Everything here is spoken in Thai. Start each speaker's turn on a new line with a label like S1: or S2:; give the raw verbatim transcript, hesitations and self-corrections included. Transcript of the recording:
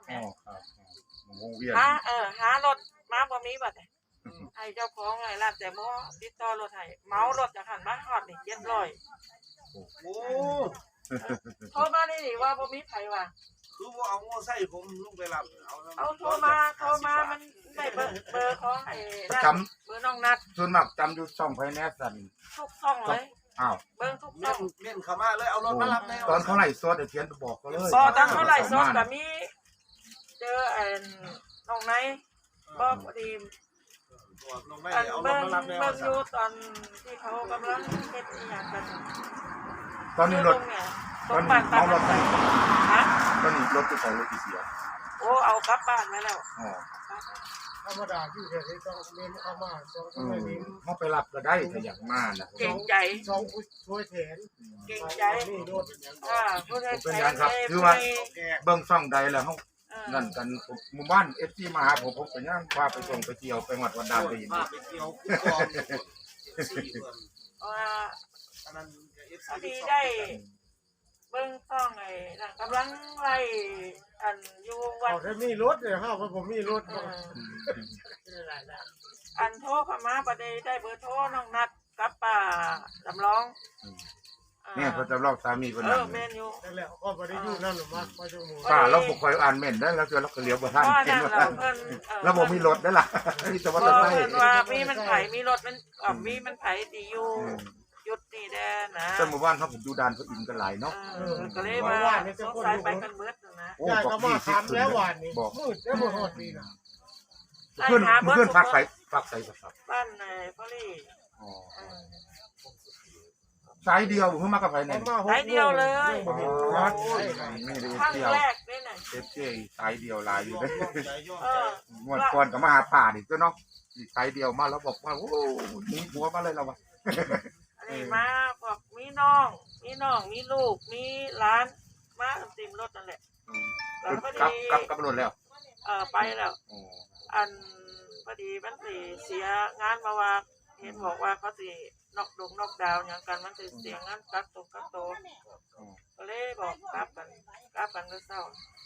S1: แม่หาเออหารถมาบ่มีบัดเนี่ยให้เจ้าของไงร้านแต่บ่ติดต่อรถให้เมารถจากหันมาฮอดนี่เจ็ดร้อย
S2: โอ้
S1: โทรมานี่ว่าบ่มีไผว่า
S2: คือว่าเอาโม่ใส่ผมลุงไปรับเอา
S1: เอาโทรมาโทรมามันได้เบอร์เบอร์ของไอ้
S3: จ
S1: ำเบอร์น้องนัด
S3: ส่วนมากจำอยู่ช่องไฟแนนซ์สั่น
S1: ทุกช่องเลย
S3: อ้าว
S1: เบิ่งทุกช่อง
S2: เม่นเข้ามาเลยเอารถมารับแน่
S3: ตอนเท่าไหร่ซดเขียนบอกเขาเลย
S1: บ่ตอนเท่าไหร่ซดก็มีเจอไอ้น้องไหนบ่พอดีอันเบิ่งเบิ่งอยู่ตอนที่เขากำลังเฮ็ดอีหยังกัน
S3: ตอนนี้รถ
S1: ตอนนี้เอารถฮะ
S3: ตอนนี้รถที่เขารถที่เสีย
S1: โอ้เอากลับบ้านมาแล้ว
S3: อ๋อ
S4: ธรรมดาที่เดี๋ยวนี้ต้องเมนเข้ามาสองคนนี้
S3: เขาไปรับก็ได้แต่อยากมานะ
S1: เก่งใจ
S4: สองช่วยแทน
S1: เก่งใจ
S4: อ่า
S3: เป็นอย่างครับคือว่าเบิ่งช่องใดแล้วเขานั่นกันหมู่บ้านเอฟซีมาหาผมผมไปย่างพาไปส่งไปเที่ยวไปวัดวันดาลี
S2: พาไปเที่ยวคุ้มครองสี่เดือน
S1: อ่า
S2: อันนั้นเอฟ
S1: ซีได้เบิ่งช่องไอ้นั่นกำลังไล่อันอยู่วัด
S4: ถ้ามีรถเนี่ยฮะเพราะผมมีรถ
S1: อันโทรเข้ามาประเดี๋ยวได้เบอร์โทรน้องนัดกับป้าจำลอง
S3: เนี่ยเขาจำลองสามีคน
S1: นั้น
S4: เออแม่นอยู่นั่นแหละก็บ่ได้อยู่นั่นหรอกมาพอชั่วโมง
S3: ป้าเราบ่ค่อยอ่านแม่นได้แล้วเจอเราก็เลี้ยวบ่ทันเห็นว่าแล้วบ่มีรถได้ล่ะมีแต่ว่า
S1: รถ
S3: ไ
S1: ไฟว่ามีมันไผมีรถมันอ่ะมีมันไผดีอยู่ยุดนี่แน่นะ
S3: แต่หมู่บ้านเขาผมอยู่ด่านเขาอินกันหลายเนาะ
S1: เออก็เลยว่าสงสัยไปกันเบิดนะ
S4: ยายก็มาถามแล้ววันนี้มืดแล้วบ่ฮอดนี่นะ
S3: ขึ้นขึ้นพักใส่พักใส่ครับ
S1: บ้านไหนพ่อลี่
S3: อ๋อสายเดียวเพิ่งมากับไผไหน
S1: สายเดียวเลย
S3: ไม่ได้
S1: ครั้ง
S3: เที่ยว
S1: แรกนี่น่ะ
S3: เอฟซีสายเดียวหลายอยู่เด้เอองวดก่อนก็มาหาป่าอีกเนาะอีกสายเดียวมาแล้วบอกว่าโอ้หนีผัวมาเลยเราว่ะ
S1: อันนี้มาบอกมีน้องมีน้องมีลูกมีหลานมาเต็มรถนั่นแหละ
S3: แล้วพอดีกลับกลับรถแล้ว
S1: เออไปแล้วอันพอดีมันสิเสียงานมาว่าเห็นบอกว่าเขาสินอกดงนอกดาวอย่างกันมันสิเสียงานกักตกกักโตก็เลยบอกกลับกันกลับกันก็เศร้า